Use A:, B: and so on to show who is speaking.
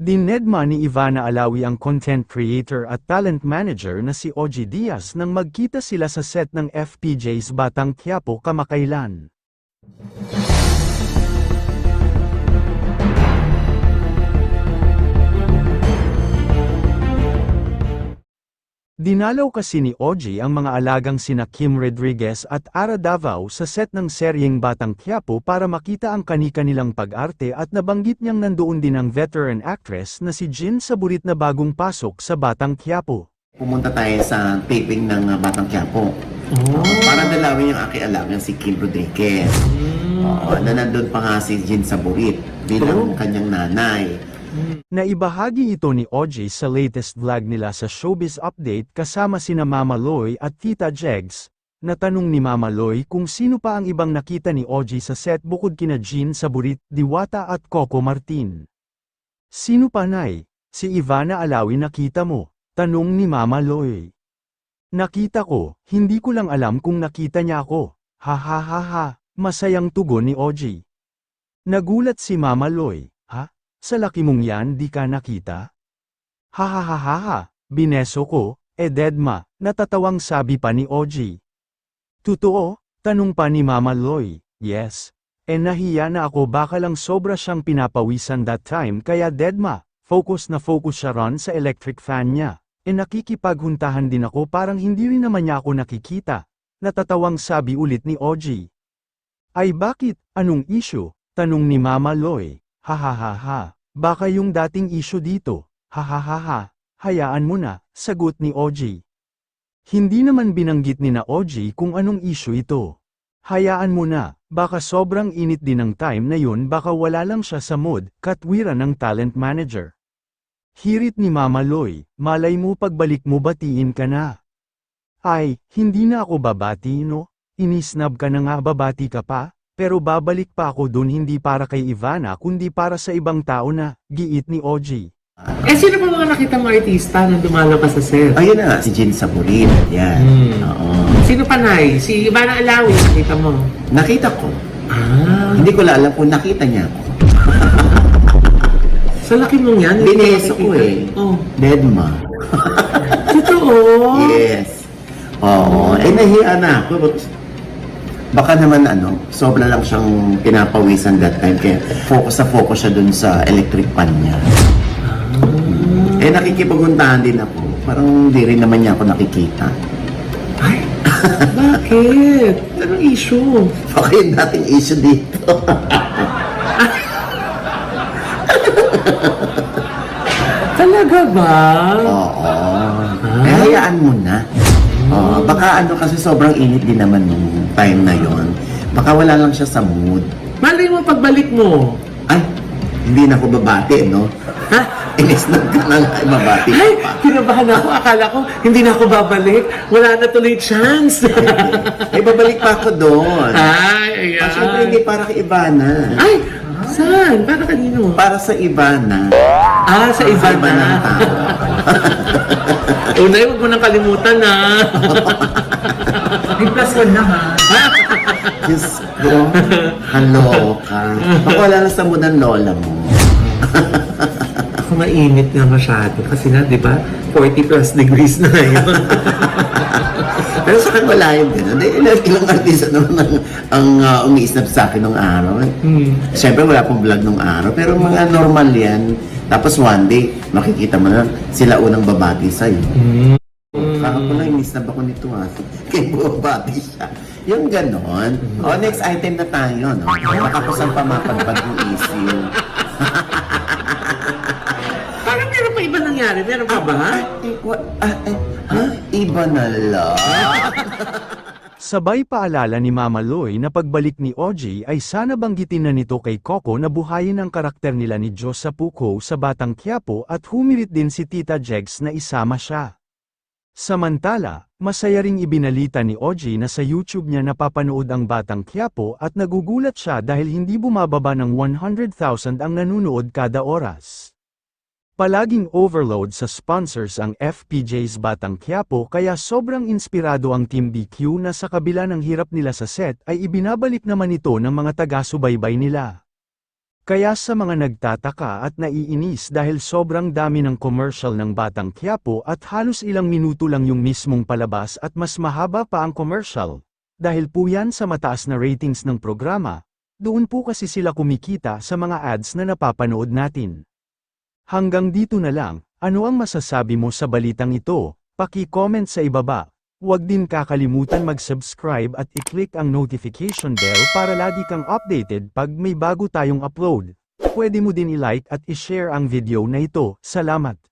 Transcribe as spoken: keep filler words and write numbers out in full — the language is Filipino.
A: Dinedma ni Ivana Alawi ang content creator at talent manager na si Ogie Diaz nang magkita sila sa set ng F P J's Batang Quiapo kamakailan. Dinalaw kasi ni Ogie ang mga alagang sina Kim Rodriguez at Ara Davao sa set ng seryeng Batang Quiapo para makita ang kani-kanilang pag-arte at nabanggit niyang nandoon din ang veteran actress na si Jin Saburit na bagong pasok sa Batang Quiapo.
B: Pumunta tayo sa taping ng uh, Batang Quiapo. Oh. Para dalawin yung aking alagang si Kim Rodriguez. Mm. Oo, na nandun pa nga si Jin Saburit bilang oh. kanyang nanay.
A: Naibahagi ito ni Ogie sa latest vlog nila sa Showbiz Update kasama sina Mama Loy at Tita Jegs. Natanong ni Mama Loy kung sino pa ang ibang nakita ni Ogie sa set bukod kina Jin Saburit, Diwata at Coco Martin. Sino pa nay? Si Ivana Alawi nakita mo? Tanong ni Mama Loy. Nakita ko, hindi ko lang alam kung nakita niya ako. Ha ha ha ha, masayang tugon ni Ogie. Nagulat si Mama Loy. Sa laki mong yan di ka nakita? Ha ha ha ha ha, bineso ko, eh dedma, natatawang sabi pa ni Ogie. Totoo? Tanong pa ni Mama Loy. Yes. Eh nahiya na ako baka lang sobra siyang pinapawisan that time kaya dedma, focus na focus siya ron sa electric fan niya. Eh nakikipaghuntahan din ako parang hindi rin naman niya ako nakikita. Natatawang sabi ulit ni Ogie. Ay bakit, anong issue? Tanong ni Mama Loy. Ha ha ha ha, baka yung dating issue dito, ha ha ha ha, hayaan mo na, sagot ni Ogie. Hindi naman binanggit ni na Ogie kung anong issue ito. Hayaan mo na, baka sobrang init din ng time na yun baka wala lang siya sa mood, katwiran ng talent manager. Hirit ni Mama Loy, malay mo pagbalik mo batiin ka na. Ay, hindi na ako babati no, inisnab ka na nga babati ka pa? Pero babalik pa ako dun hindi para kay Ivana kundi para sa ibang tao na, giit ni Ogie.
C: Eh sino pa mga nakita mga artista na lumalabas sa set?
B: Ayun na, si Jin Saburit. Yan.
C: Hmm.
B: Oo.
C: Sino pa nay? Si Ivana Alawi, nakita mo?
B: Nakita ko.
C: Ah.
B: Hindi ko alam kung nakita niya ako.
C: Sa laki mong yan?
B: Bineso ko eh.
C: Oh.
B: Dedma.
C: Totoo?
B: Yes. Oo. Eh nahiya na ako. Baka naman ano, sobra lang siyang pinapawisan that time kaya focus na focus siya dun sa electric pan niya. Ah. Eh nakikipaguntahan din ako. Parang hindi rin naman niya ako nakikita.
C: Ay, bakit? Anong issue?
B: Baka yung dating issue dito.
C: Talaga ba?
B: Oo. Eh hayaan mo na. Oh, baka ano kasi sobrang init din naman nung time na yon. Baka wala lang siya sa mood.
C: Malay mo pagbalik mo.
B: Ay, hindi na ako babati, no?
C: Ha?
B: Inis na ka na nga, babati ka
C: Ay,
B: pa.
C: kinabahan ako. Akala ko, hindi na ako babalik. Wala na tuloy chance.
B: Eh, babalik pa ako doon.
C: Ay, ayan.
B: Ah, syempre hindi para kay Ivana.
C: Ay, saan? Para kanino?
B: Para sa Ivana.
C: Ah, sa iba
B: Sa iba ng
C: na.
B: tao.
C: Unay, huwag mo nang kalimutan na. May plus one na ha.
B: Diyos ko, hello ka. Baka wala na sa mood ng lola mo.
C: Ako mainit nga masyado. Kasi na, di ba, forty plus degrees na ngayon.
B: Pero sa akin wala yun din. Ilang, ilang artista naman ang, ang uh, umiisnap sa akin nung araw.
C: Hmm.
B: Siyempre wala pong vlog nung araw. Pero mga normal yan. Tapos one day, makikita mo na sila unang babati sa'yo.
C: Hmm.
B: Parang ko na inisnab ako nito ha. Kaya babati siya. Yung ganon. O, oh, next item na tayo, no? Makakusang pamapadpad yung issue.
C: Parang meron pa iba nangyari. Meron pa ba?
B: Eh, wa- ah, eh, ha? Iba na lang.
A: Sabay paalala ni Mama Loy na pagbalik ni Ogie ay sana banggitin na nito kay Coco na buhayin ang karakter nila ni Diyos sa Puko sa Batang Quiapo at humirit din si Tita Jegs na isama siya. Samantala, masaya ring ibinalita ni Ogie na sa YouTube niya napapanood ang Batang Quiapo at nagugulat siya dahil hindi bumababa ng one hundred thousand ang nanunood kada oras. Palaging overload sa sponsors ang F P J's Batang Quiapo kaya sobrang inspirado ang Team B Q na sa kabila ng hirap nila sa set ay ibinabalik naman ito ng mga taga-subaybay nila. Kaya sa mga nagtataka at naiinis dahil sobrang dami ng commercial ng Batang Quiapo at halos ilang minuto lang yung mismong palabas at mas mahaba pa ang commercial, dahil po yan sa mataas na ratings ng programa, doon po kasi sila kumikita sa mga ads na napapanood natin. Hanggang dito na lang, ano ang masasabi mo sa balitang ito? Paki-comment sa ibaba. Huwag din kakalimutan mag-subscribe at i-click ang notification bell para lagi kang updated pag may bago tayong upload. Pwede mo din i-like at i-share ang video na ito. Salamat!